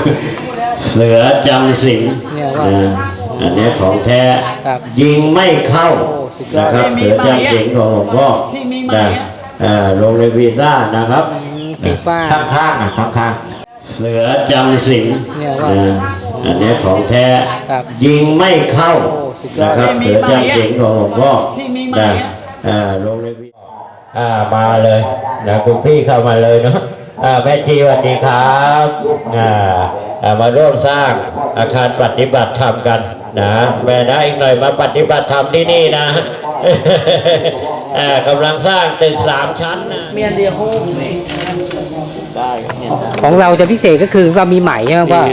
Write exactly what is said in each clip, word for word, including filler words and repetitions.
เสือจำศีลอันนี้ของแท้ยิงไม่เข้านะครับเสือจำศีลของหลวงพ่อนะลงในวีซ่านะครับข้างๆนะข้างๆเสือจำศีลอันนี้ของแท้ยิงไม่เข้านะครับเสือจำศีลของหลวงพ่อนะลงในวีซ่ามาเลยนะคุณพี่เข้ามาเลยเนาะแม่ชีสวัสดีครับมาร่วมสร้างอาคารปฏิบัติธรรมกันนะแม่นะอีกหน่อยมาปฏิบัติธรรมที่นี่นะกำลังสร้างตึกสามชั้นนะเมียนเดียวโค้งได้ของเราจะพิเศษก็คือเรามีไหมใช่ไหมว่า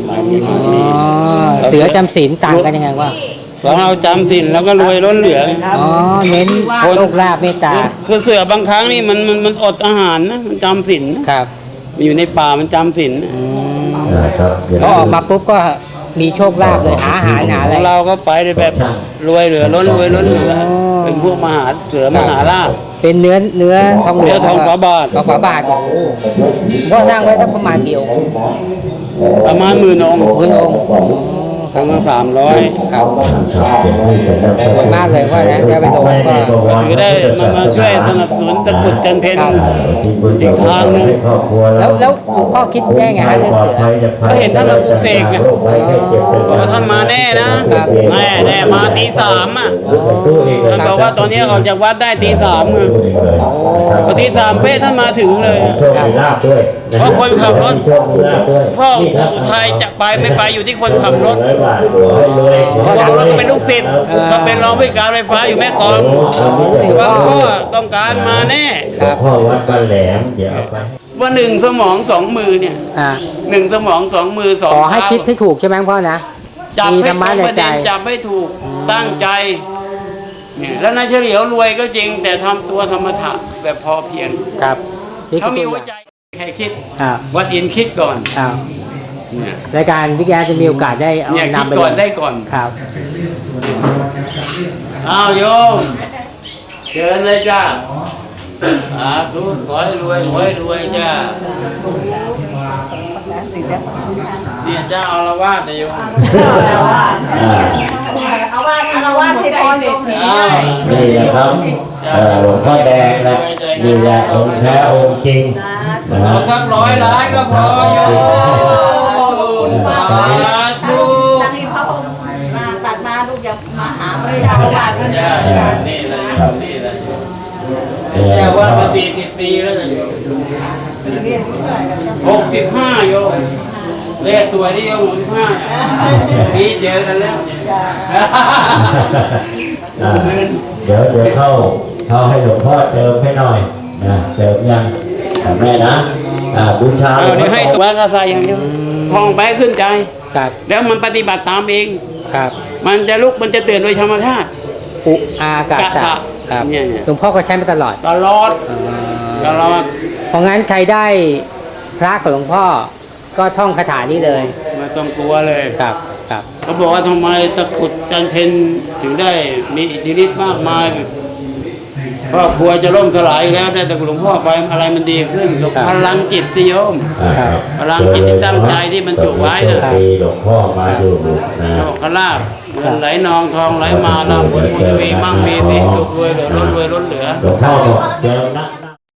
เสือจำศีลต่างกันยังไงว่าของเราจำศีลแล้วก็รวยล้นเหลืออ๋อเน้นโชคลาภเมตตาคือเสือบางครั้งนี่มันมันมันอดอาหารนะมันจำศีลครับอยู่ในป่ามันจำศีลก็ออกมาปุ๊บก็มีโชคลาภเลยหาอาหารหาอะไรเราก็ไปแบบรวยเหลือล้นรวยล้นเหลือเป็นพวกมหาเสือมหาราชเป็นเนื้อเนื้อทองเหลืองทองฝาบาททองฝาบาทก็สร้างไว้ประมาณเดียวประมาณหมื่นองค์หมื่นองค์ครั้งละสามร้อยครับสวยมากเลยว่านะจะไปลงก็ถือได้มามาช่วยสนับสนุนตะกุดจันเพนอีกทางนึงแล้วแล้วหลวงพ่อคิดแย่ไงฮะเรื่องเสือก็เห็นท่านมาปลุกเสกไงบอกว่าท่านมาแน่นะแน่แน่มาตีสามอ่ะท่านบอกว่าตอนนี้ออกจากวัดได้ตีสามอ่ะพอตีสามเป๊ะท่านมาถึงเลยเพราะคนขับรถพ่อไทยจะไปไม่ไปอยู่ที่คนขับรถพวกเราก็เป็นลูกศิษย์ก็เป็นรองผู้การไฟฟ้าอยู่แม่กลองว่าพ่อต้องการมาแน่พ่อวัดบ้านแหลมเดี๋ยวเอาไปว่าหนึ่งสมองสองมือเนี่ยหนึ่งสมองสองมือสองขอให้คิดให้ถูกใช่ไหมพ่อนะจับให้ถูกประเด็นจับให้ถูกตั้งใจเนี่ยแล้วนายเฉลียวรวยก็จริงแต่ทำตัวธรรมะแบบพอเพียงครับเขามีหัวใจใครคิดวัดอินคิดก่อนรายการวิทยาจะมีโอกาสได้เอานำไปก่อนได้ก่อนครับอ้าวโยมเชิญเลยจ้าสาธุขอให้รวยขอให้รวยจ้าเนี่ยเจ้าอารวาสนะโยมเอาว่าอารวาสที่พรโยมนี่แหละครับหลวงพ่อแดงนะนี่แหละองค์แท้องค์จริงเอาสักร้อยล้านก็พอโยมสาธุตั้งที่พระองค์มาตัดมาลูกอย่ามาหาไม่ได้อารวาสนี่เลยนี่เลยแค่ว่ามาสี่สิบปีแล้วนะหกสิบห้าโยมเลขตัวนี้หกสิบห้าปีเจอกันแล้วเดี๋ยวเดี๋ยวเข้าเข้าให้หลวงพ่อเติมให้หน่อยนะเติมยังแม่นะบูชาเดี๋ยวให้ตัวกระใสอย่างเดียวทองไปขึ้นใจแล้วมันปฏิบัติตามเองมันจะลุกมันจะเตือนโดยธรรมชาติอุอากาศครับหลวงพ่อก็ใช้มาตลอดตลอดตลอดเพราะงั้นใครได้พระของหลวงพ่อก็ท่องคาถานี้เลยไม่ต้องกลัวเลยครับครับเขาบอกว่าทำไมตะกุดจันเพนถึงได้มีอิทธิฤทธิ์มากมายครอบครัวจะล่มสลายแล้วแต่หลวงพ่อไปอะไรมันดีขึ้นพลังจิตที่โยมพลังจิตที่ตั้งใจที่มันจุไว้นะหลวงพ่อมาดูโชคลาภเงินไหลนองทองไหลมาลาภบุญบุญวีมั่งมีสีสุขรวยเหลือล้นรวยล้นเหลือหลวงพ่อบอกเจอนะ